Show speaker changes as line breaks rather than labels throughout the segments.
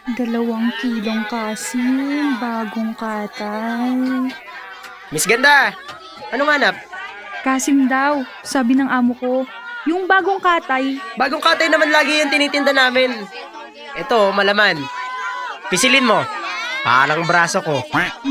2 kilong kasim, bagong katay.
Miss Ganda, anong hanap?
Kasim daw, sabi ng amo ko. Yung bagong katay.
Bagong katay naman lagi yung tinitinda namin. Ito, malaman. Pisilin mo. Parang braso ko.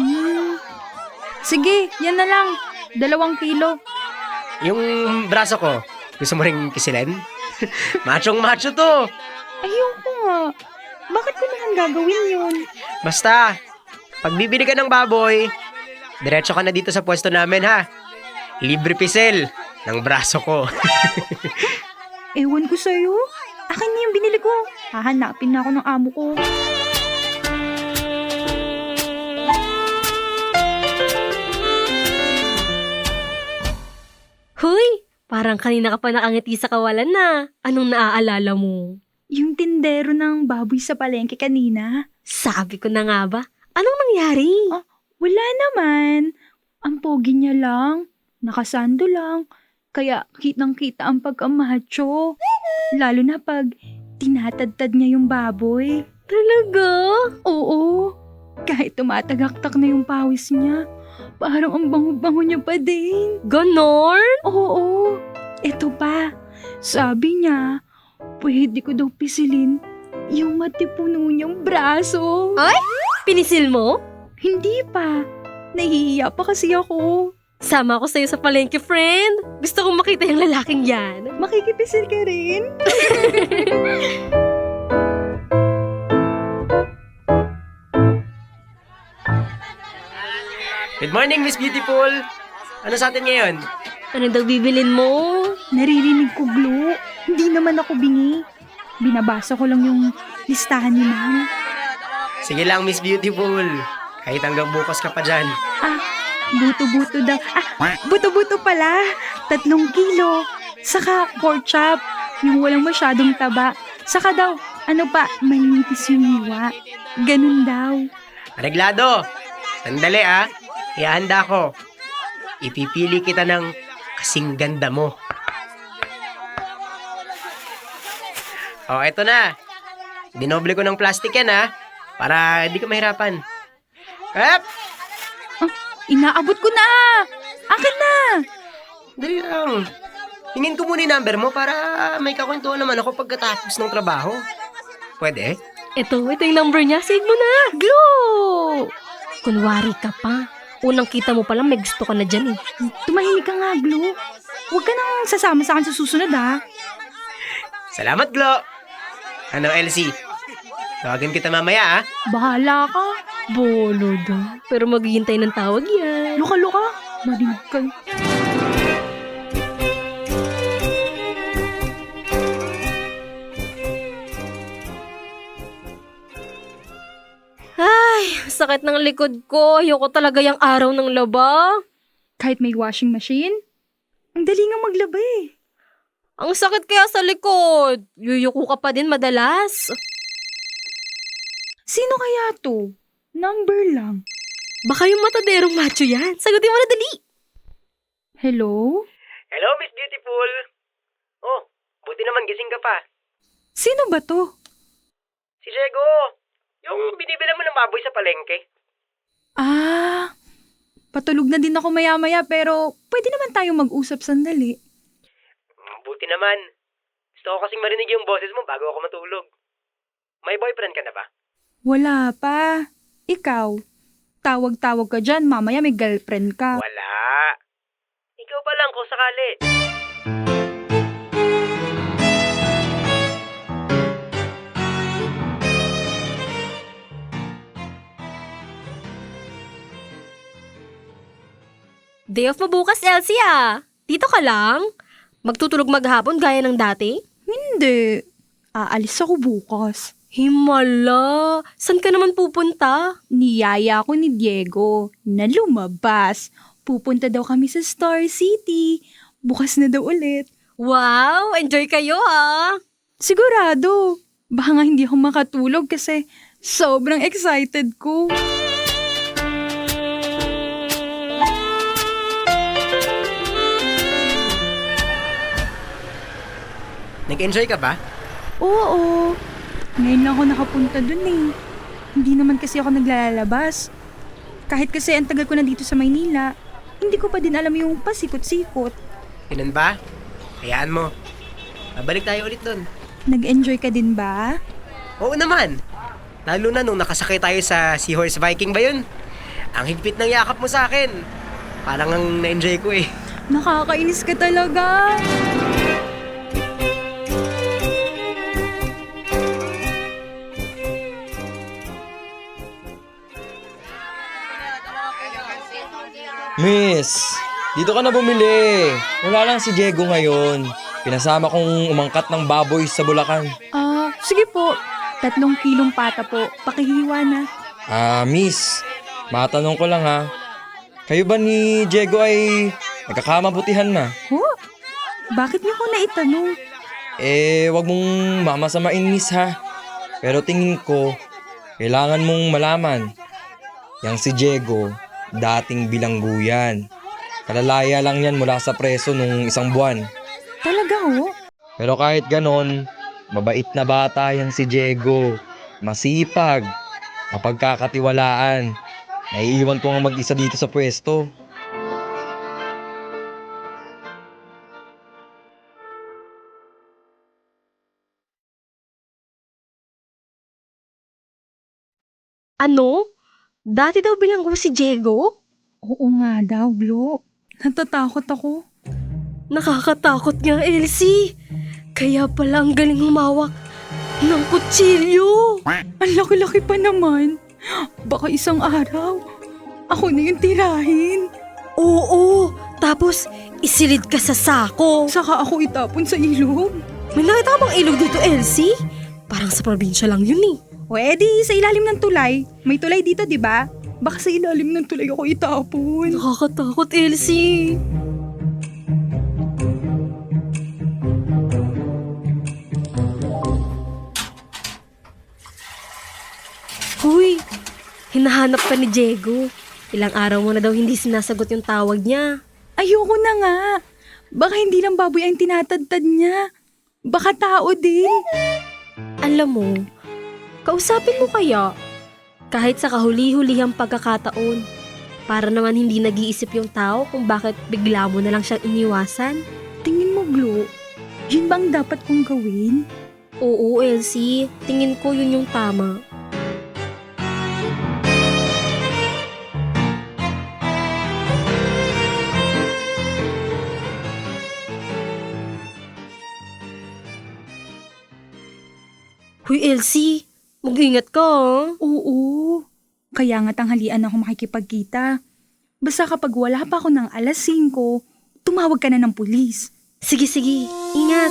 Sige, yan na lang. 2 kilo.
Yung braso ko, gusto mo ring pisilin? Machong macho to.
Ayoko nga. Bakit ko naman gagawin yun?
Basta, pag bibili ka ng baboy, diretso ka na dito sa pwesto namin ha. Libre pisil ng braso ko.
Ewan ko sa'yo. Akin na yung binili ko. Hahanapin na ako ng amo ko.
Huy! Parang kanina ka pa nakangiti sa kawalan na. Anong naaalala mo?
Yung tindero ng baboy sa palengke kanina.
Sabi ko na nga ba? Anong nangyari?
Wala naman. Ang pogi niya lang. Nakasando lang. Kaya kitang-kita ang pagkamacho. Lalo na pag tinatadtad niya yung baboy.
Talaga?
Oo. Kahit tumatagaktak na yung pawis niya. Parang ang bango-bango niya pa din.
Ganon?
Oo. Eto pa. Sabi niya, pwede ko daw pisilin yung matipuno niyang braso.
Ay? Pinisil mo?
Hindi pa. Nahihiya pa kasi ako.
Sama ako sa'yo sa palengke, friend. Gusto kong makita yung lalaking yan.
Makikipisil ka rin?
Good morning, Miss Beautiful. Ano sa atin ngayon?
Ano daw bibilin mo?
Naririnig ko, Glo. Hindi naman ako bingi. Binabasa ko lang yung listahan ni Ma'am.
Sige lang, Miss Beautiful. Kahit hanggang bukas ka pa dyan.
Buto-buto daw. Buto-buto pala. 3 kilo. Saka pork chop. Yung walang masyadong taba. Saka daw, manipis yung hiwa. Ganun daw.
Areglado. Sandali Ihahanda ko. Ipipili kita ng kasing ganda mo. Eto na. Dinoble ko ng plastic yan para hindi ka mahirapan. Kap!
Inaabot ko na. Akin na.
Dali lang. Hingin ko muna yung number mo para may kakwentuhan naman ako pagkatapos ng trabaho. Pwede?
Ito yung number niya. Save mo na.
Glo!
Kunwari ka pa. Unang kita mo palang may gusto ka na dyan eh.
Tumahimik ka nga, Glo. Huwag ka nang sasama sa akin sa susunod,
Salamat, Glo. Ano, Elsie? Tawagin kita mamaya,
Bahala ka.
Bolo daw. Pero maghihintay ng tawag yan.
Luka-luka. Marinig ka.
Sakit ng likod ko. Ayoko talaga yung araw ng laba.
Kahit may washing machine, ang dali nga maglaba eh.
Ang sakit kaya sa likod. Yuyuko ka pa din madalas.
Sino kaya to? Number lang.
Baka yung mataderong macho yan. Sagutin mo na dali.
Hello?
Hello, Miss Beautiful. Buti naman gising ka pa.
Sino ba to?
Si Diego. Yung binibila mo ng baboy sa palengke.
Patulog na din ako maya-maya pero pwede naman tayong mag-usap sandali.
Buti naman. Gusto ko kasing marinig yung boses mo bago ako matulog. May boyfriend ka na ba?
Wala pa. Ikaw, tawag-tawag ka dyan, mamaya may girlfriend ka.
Wala. Ikaw pa lang kung sakali.
Day off mo bukas, Elsie Dito ka lang? Magtutulog maghapon gaya ng dati?
Hindi. Aalis ako bukas.
Himala! San ka naman pupunta?
Niyaya ako ni Diego na lumabas. Pupunta daw kami sa Star City. Bukas na daw ulit.
Wow! Enjoy kayo
Sigurado. Baka nga hindi ako makatulog kasi sobrang excited ko.
Nag-enjoy ka ba?
Oo. Ngayon lang ako nakapunta dun eh. Hindi naman kasi ako naglalabas. Kahit kasi ang tagal ko na dito sa Maynila, hindi ko pa din alam yung pasikot-sikot.
Ganun ba? Hayaan mo. Babalik tayo ulit dun.
Nag-enjoy ka din ba?
Oo naman. Lalo na nung nakasakay tayo sa Seahorse Viking ba yun? Ang higpit ng yakap mo sa akin. Parang ang na-enjoy ko eh.
Nakakainis ka talaga.
Miss, dito ka na bumili. Wala lang si Diego ngayon. Pinasama kong umangkat ng baboy sa Bulacan.
Sige po. 3 kilong pata po. Pakihiwa na.
Miss, matanong ko lang ha. Kayo ba ni Diego ay nagkakamabutihan na?
Oh, bakit niyo ko naitanong?
Wag mong mamasamain, miss ha. Pero tingin ko, kailangan mong malaman. Yang si Diego, dating bilanggo yan. Kalalaya lang yan mula sa preso nung 1 buwan.
Talaga ho?
Pero kahit ganon, mabait na bata yan si Diego. Masipag, mapagkakatiwalaan. Naiiwan ko nga mag-isa dito sa pwesto.
Ano? Dati daw bilanggo si Diego?
Oo nga daw, Glo. Natatakot ako.
Nakakatakot nga, Elsie. Kaya pala ang galing humawak ng kutsilyo.
Ang laki-laki pa naman. Baka isang araw, ako na yung tirahin.
Oo, tapos isilid ka sa sako.
Saka ako itapon sa ilog.
May nakita ka bang ilog dito, Elsie? Parang sa probinsya lang yun eh.
O edi, sa ilalim ng tulay. May tulay dito, di ba? Baka sa ilalim ng tulay ako itapon.
Nakakatakot, Elsie. Huy, hinahanap ka ni Diego. Ilang araw mo na daw hindi sinasagot yung tawag niya.
Ayoko na nga. Baka hindi lang baboy ang tinatadtad niya. Baka tao din.
Alam mo, kausapin mo kaya. Kahit sa kahuli-hulihang pagkakataon. Para naman hindi nag-iisip yung tao kung bakit bigla mo na lang siyang iniwasan.
Tingin mo, Glo, yun bang dapat kong gawin?
Oo, Elsie. Tingin ko yun yung tama. Huy, Elsie. Mag-ingat ka, ah.
Oo. Kaya nga tanghalian ako makikipagkita. Basta kapag wala pa ako ng 5:00, tumawag ka na ng pulis.
Sige, sige. Ingat.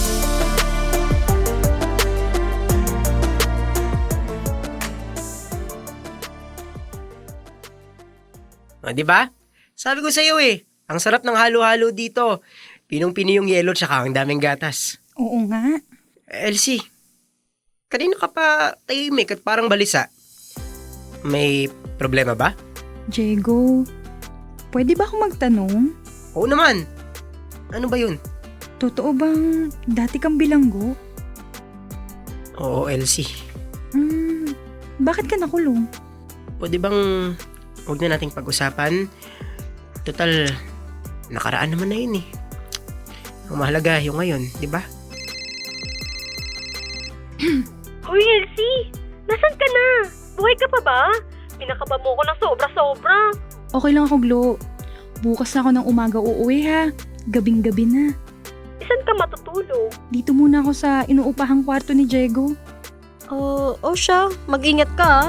O, di ba? Sabi ko sa'yo eh, ang sarap ng halo-halo dito. Pinong-pino yung yelo tsaka ang daming gatas.
Oo nga.
Elsie, kanina ka pa tahimik at parang balisa. May problema ba?
Diego, pwede ba akong magtanong?
Oo naman. Ano ba yun?
Totoo bang dati kang bilanggo?
Oo, Elsie.
Bakit ka nakulong?
Pwede bang huwag na nating pag-usapan? Total, nakaraan naman na yun eh. Ang mahalaga yung ngayon, di ba?
Hoy, Elsie! Nasaan ka na? Buhay ka pa ba? Pinakaba mo ko ng sobra-sobra.
Okay lang ako, Glo. Bukas na ako ng umaga uuwi ha. Gabing-gabi na.
Isan ka matutulog?
Dito muna ako sa inuupahang kwarto ni Diego.
Siya. Mag-ingat ka, ah.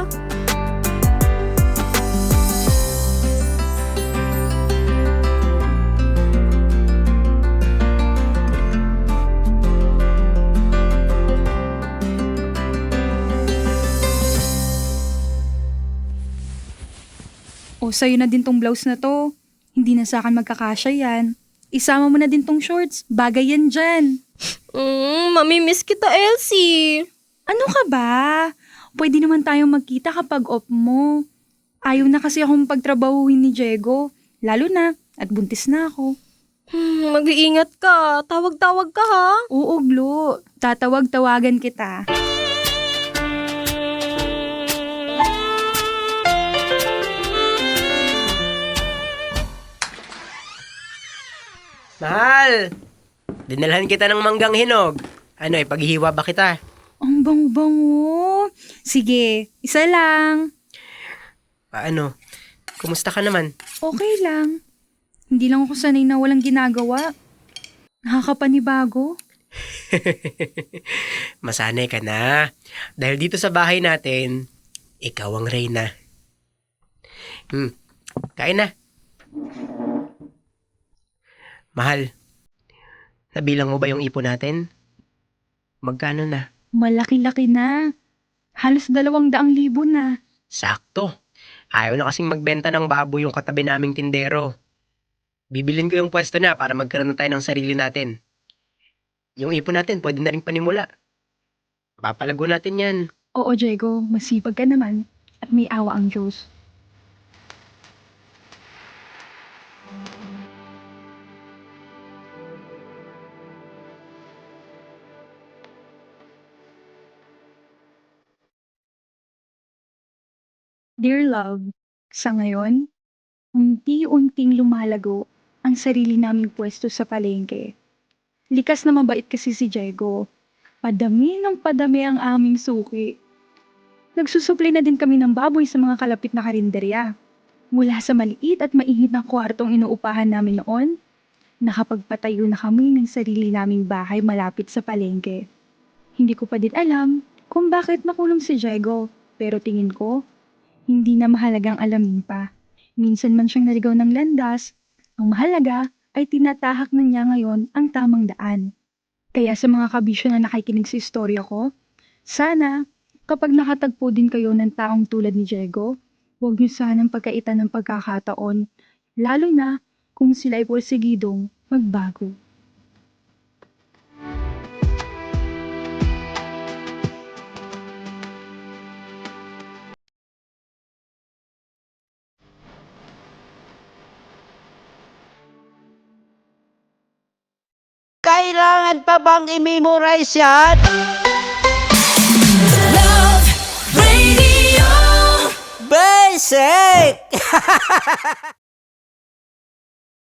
O, sa'yo na din tong blouse na to. Hindi na sa akin magkakasya yan. Isama mo na din tong shorts. Bagay yan dyan.
Mamimiss kita, Elsie.
Ano ka ba? Pwede naman tayong magkita kapag off mo. Ayaw na kasi akong pagtrabahuhin ni Diego. Lalo na, at buntis na ako.
Mag-iingat ka. Tawag-tawag ka, ha?
Oo, Glo. Tatawag-tawagan kita.
Mahal! Dinalhan kita ng manggang hinog. Ano, ipaghihiwa ba kita?
Ang bango-bango. Sige, isa lang.
Paano? Kumusta ka naman?
Okay lang. Hindi lang ako sanay na walang ginagawa. Nakakapanibago.
Masanay ka na. Dahil dito sa bahay natin, ikaw ang reyna. Kain na. Mahal, nabilang mo ba yung ipon natin? Magkano na?
Malaki-laki na. Halos 200,000 na.
Sakto. Ayaw na kasing magbenta ng baboy yung katabi naming tindero. Bibilin ko yung pwesto na para magkaroon na tayo ng sarili natin. Yung ipon natin, pwede na rin panimula. Papalago natin yan.
Oo, Diego. Masipag ka naman. At may awa ang Diyos. Dear love, sa ngayon, unti-unting lumalago ang sarili naming pwesto sa palengke. Likas na mabait kasi si Diego. Padami ng padami ang aming suki. Nagsusupli na din kami ng baboy sa mga kalapit na karinderya. Mula sa maliit at mainit na kwartong inuupahan namin noon, nakapagpatayo na kami ng sarili naming bahay malapit sa palengke. Hindi ko pa din alam kung bakit nakulong si Diego, pero tingin ko, hindi na mahalagang alamin pa. Minsan man siyang naligaw ng landas, ang mahalaga ay tinatahak na niya ngayon ang tamang daan. Kaya sa mga kabisyo na nakikinig sa istorya ko, sana kapag nakatagpo din kayo ng taong tulad ni Diego, huwag niyo sanang pagkaitan ng pagkakataon, lalo na kung sila ay porsigidong magbago.
Kailangan pa bang i-memorize yan?
Radio.
Basic!